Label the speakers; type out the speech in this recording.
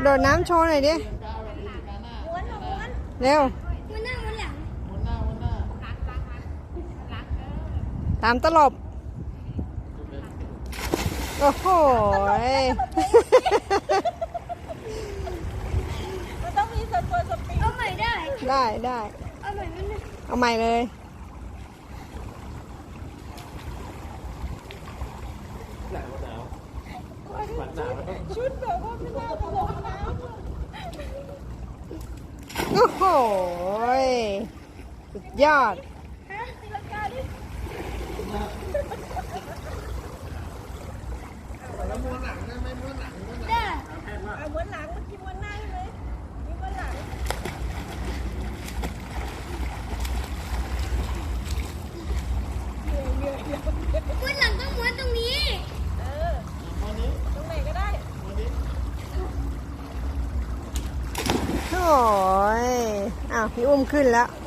Speaker 1: โดดน้ำโชว์หน่อยดิเร็วตามตลบโอ้โห
Speaker 2: มันต้องมีสปอยสปีดเอาใหม่ได้
Speaker 1: เอาใหม่เลย
Speaker 2: ชุดแบบว่าไม่น่าจะลงน้ำ
Speaker 1: โอ้โหสุดยอด
Speaker 2: ตีลังกาดิแล้วม้วนหลังได้ไหมม้วนหลังได้ม้วนหลังเมื่อกี้ม้วนหน้าใช่ไหมนี่ม้วนหลัง
Speaker 3: ม้วนหลังก็ม้วนตรงนี้
Speaker 2: ตรงไหนก็ได้
Speaker 1: โอ้ยอ้าวพี่อุ้มขึ้นแล้ว